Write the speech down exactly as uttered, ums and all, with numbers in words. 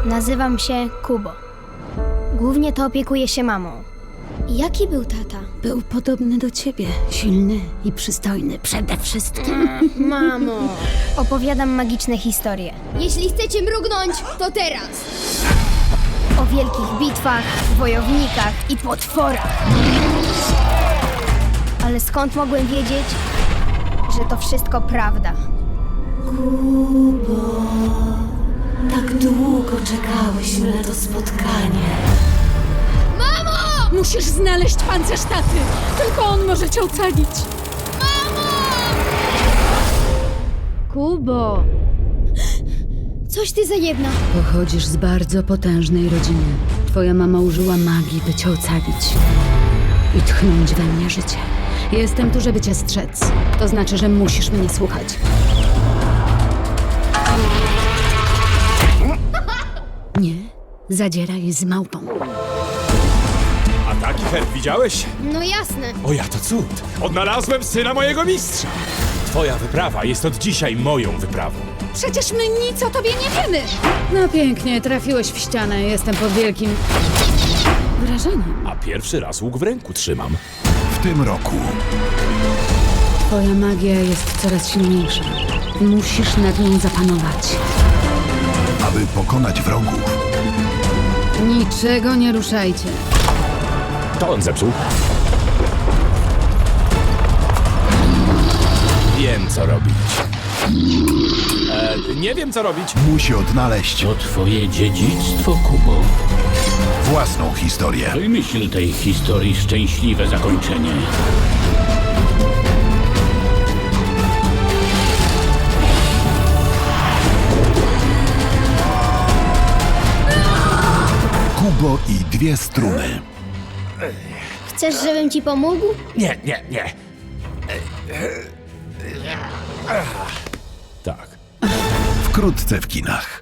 Nazywam się Kubo. Głównie to opiekuję się mamą. Jaki był tata? Był podobny do ciebie. Silny i przystojny przede wszystkim. Mamo! Opowiadam magiczne historie. Jeśli chcecie mrugnąć, to teraz. O wielkich bitwach, wojownikach i potworach. Ale skąd mogłem wiedzieć, że to wszystko prawda? Tak długo czekałyśmy na to spotkanie. Musisz znaleźć pancerz taty. Tylko on może cię ocalić. Kubo! Coś ty za jedna. Pochodzisz z bardzo potężnej rodziny. Twoja mama użyła magii, by cię ocalić. I tchnąć we mnie życie. Jestem tu, żeby cię strzec. To znaczy, że musisz mnie słuchać. Nie, zadzieraj z małpą. A taki herb widziałeś? No jasne. O ja to cud! Odnalazłem syna mojego mistrza! Twoja wyprawa jest od dzisiaj moją wyprawą. Przecież my nic o tobie nie wiemy. No pięknie, trafiłeś w ścianę. Jestem pod wielkim wrażeniem. A pierwszy raz łuk w ręku trzymam. W tym roku Twoja magia jest coraz silniejsza. Musisz nad nią zapanować. aby pokonać wrogów, Niczego nie ruszajcie. To on zepsuł. Wiem, co robić. E, nie wiem, co robić. musi odnaleźć To twoje dziedzictwo, Kubo. własną historię. Wymyśl tej historii szczęśliwe zakończenie. Kubo i dwie struny. Chcesz, żebym ci pomógł? Nie, nie, nie. Tak. Wkrótce w kinach.